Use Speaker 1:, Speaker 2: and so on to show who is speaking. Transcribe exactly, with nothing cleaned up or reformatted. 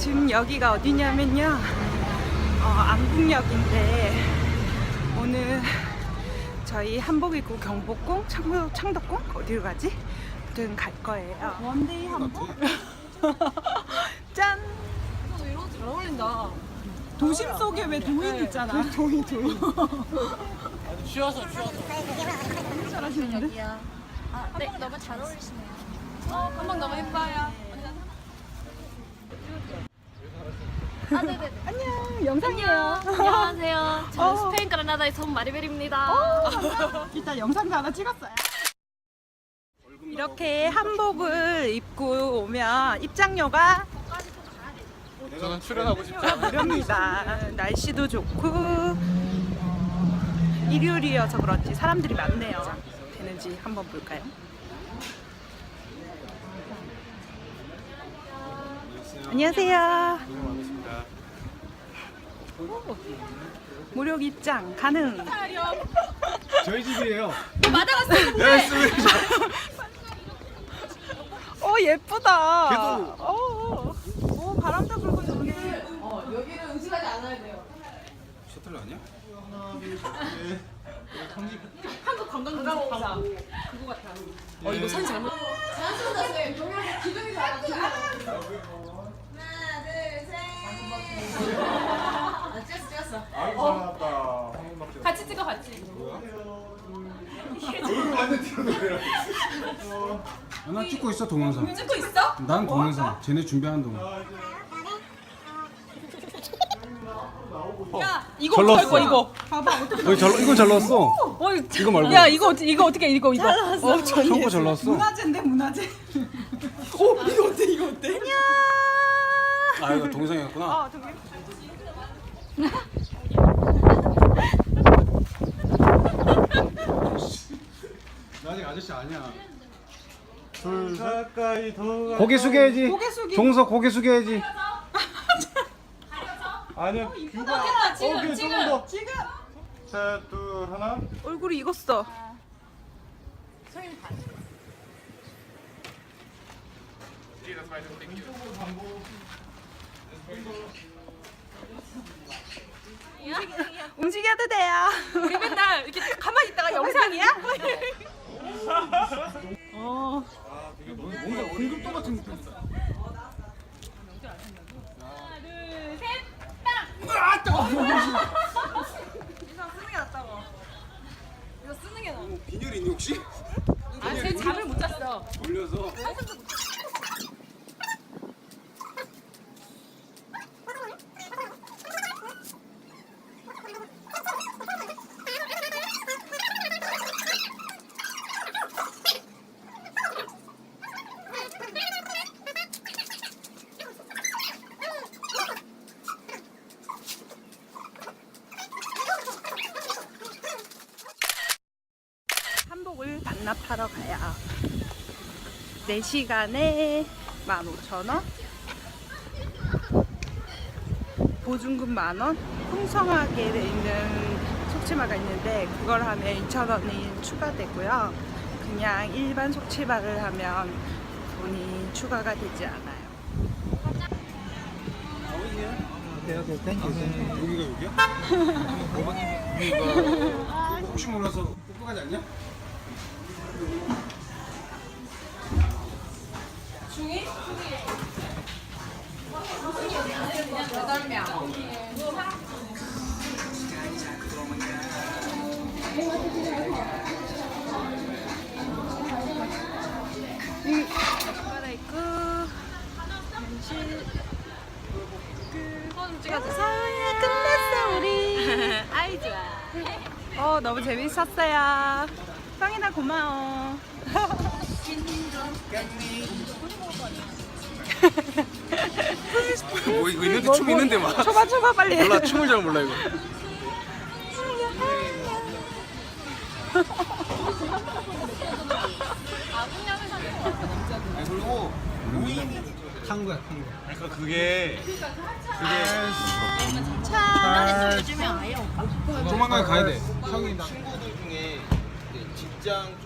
Speaker 1: 지금 여기가 어디냐면요, 어, 안국역인데 오늘 저희 한복 입고 경복궁, 창덕, 창덕궁 어디로 가지? 아무튼 갈 거예요. 원데이 한복. 짠.
Speaker 2: 잘 어울린다.
Speaker 1: 도심 속에 왜 도인 있잖아. 도인 도인.
Speaker 3: 쉬어서 쉬어서.
Speaker 1: 잘하시는데?
Speaker 2: 여기야. 아, 네, 너무 잘 어울리시네요. 어, 한번 너무 예뻐요. 아, 네네.
Speaker 1: 안녕. 영상이에요.
Speaker 2: 안녕하세요. 저는
Speaker 1: 어.
Speaker 2: 스페인 그라나다에서 온 마리벨입니다.
Speaker 1: 일단 영상도 하나 찍었어요. 이렇게 한복을 입고 오면 입장료가
Speaker 3: 저는 출연하고 싶지 않아요.
Speaker 1: 무료입니다. 날씨도 좋고 일요일이어서 그런지 사람들이 많네요. 되는지 한번 볼까요? 안녕하세요. 오, 무료 입장 가능.
Speaker 3: 저희 집이에요.
Speaker 2: 맞아갔어요.
Speaker 1: 어 예쁘다.
Speaker 3: 걔도-
Speaker 1: 어, 어 바람도 불고 좋네.
Speaker 3: 셔틀 아니야?
Speaker 2: 어, 이거 사진 잘못.
Speaker 3: 아이고 잘 나왔다.
Speaker 2: 같이 찍어, 같이.
Speaker 3: 완전 튀어나오네.
Speaker 4: 나 찍고 있어 동영상.
Speaker 2: 찍고 있어?
Speaker 4: 난 동영상. 쟤네 준비하는 동영.
Speaker 2: 야, 이거
Speaker 4: 잘
Speaker 2: 어떡할 거야,
Speaker 4: 나왔어.
Speaker 2: 이거?
Speaker 1: 봐봐 어떻게
Speaker 4: 여기 잘 이건 잘 나왔어.
Speaker 2: 어,
Speaker 4: 이거 말고.
Speaker 2: 야, 이거, 어떻게- 이거 어떻게, 이거, 이거. 어,
Speaker 4: 처음 거잘 나왔어.
Speaker 1: 문화재인데 문화재. 오 이거 어때 이거 어때? 안녕.
Speaker 4: 아 이거 동영상이었구나.
Speaker 1: 어 저기.
Speaker 4: 나 아직 아저씨 아니야.
Speaker 3: 둘 가까이 더.
Speaker 4: 고개 숙여야지.
Speaker 1: 고개 숙이.
Speaker 4: 종석 고개 숙여야지.
Speaker 3: 아니야 뷰가.
Speaker 2: 아, 지금,
Speaker 3: 오케이
Speaker 2: 지금.
Speaker 3: 조금 더.
Speaker 1: 지금
Speaker 3: 셋, 둘, 하나.
Speaker 1: 얼굴이 익었어. 움직여도 돼요.
Speaker 2: 우리 맨날 이렇게 가만히 있다가 영상이야?
Speaker 1: 어.
Speaker 4: 뭔가 공급도 같은 느낌이다.
Speaker 2: 하나, 둘, 셋, 딱!
Speaker 1: 이상 쓰는 게 낫다고.
Speaker 2: 이거 쓰는 게 나아.
Speaker 4: 빈혈 있니 혹시?
Speaker 2: 아, 쟤 잠을 못 잤어.
Speaker 4: 돌려서.
Speaker 1: 한복을 반납하러 가요. 네 시간에 만 오천 원, 보증금 만 원, 풍성하게 돼 있는 속치마가 있는데 그걸 하면 이천 원이 추가되고요. 그냥 일반 속치마를 하면 돈이 추가가 되지 않아요.
Speaker 4: 여기가 여기야? 여기가 혹시 몰라서 뽀뽀가지 않냐?
Speaker 1: 갈아입고 현실
Speaker 2: 손 찍어주세요.
Speaker 1: 아, 끝났어 우리.
Speaker 2: 아이, 좋아.
Speaker 1: 어 너무 재밌었어요. 성인아 고마워.
Speaker 4: 뭐 이거 있는데 춤 있는데 막.
Speaker 1: 초바 초바 빨리.
Speaker 4: 몰라 춤을 잘 몰라 이거. 아니 그리고 노인이 탄 거야 탄 거. 그러니까 그게 그게
Speaker 2: 차. 요즘에 아예 없어.
Speaker 4: 조만간 가야 돼. 형이 나
Speaker 3: 친구들 중에 이제 직장